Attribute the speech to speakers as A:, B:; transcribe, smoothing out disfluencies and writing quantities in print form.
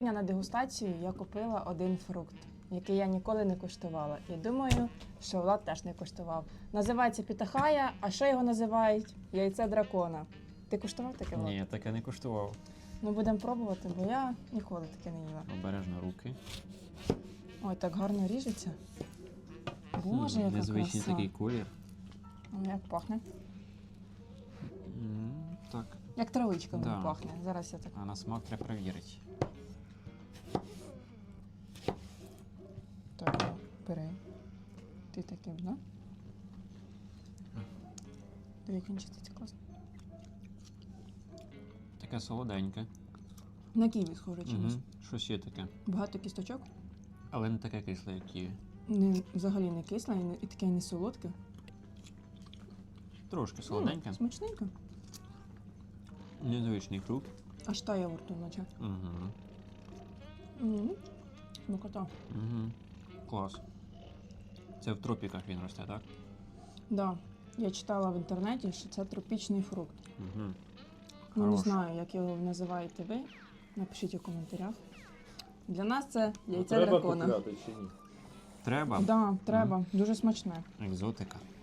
A: На дегустацію я купила один фрукт, який я ніколи не куштувала. І думаю, що Влад теж не куштував. Називається пітахая, а що його називають? Яйце дракона. Ти куштував таке, Влад?
B: Ні, я таке не куштував.
A: Ну, будемо пробувати, бо я ніколи таке не їла.
B: Обережно руки.
A: Ой, так гарно ріжеться. Боже, яка
B: незвичний
A: краса.
B: такий колір.
A: Як пахне?
B: Так.
A: Як травичка
B: Да.
A: пахне. Зараз я так.
B: А на смак треба перевірити.
A: Так, бери. Ти таким, да? Диви, він чиститься класно.
B: Таке солоденьке.
A: На ківі схоже чимось.
B: Щось є таке.
A: Багато кісточок.
B: Але не таке кисле, як ківі.
A: Взагалі не кисле і таке не солодке.
B: Трошки солоденьке.
A: Смачненько.
B: Незвичний фрукт.
A: Аж тає во рту, наче.
B: Угу.
A: Смакота.
B: Угу. Клас. Це в тропіках він росте, так?
A: Да. Я читала в інтернеті, що це тропічний фрукт.
B: Угу.
A: Ну, не знаю, як його називаєте ви. Напишіть у коментарях. Для нас це яйце дракона.
C: Треба купляти чи ні?
B: Треба.
A: Так, да, треба. Дуже смачне.
B: Екзотика.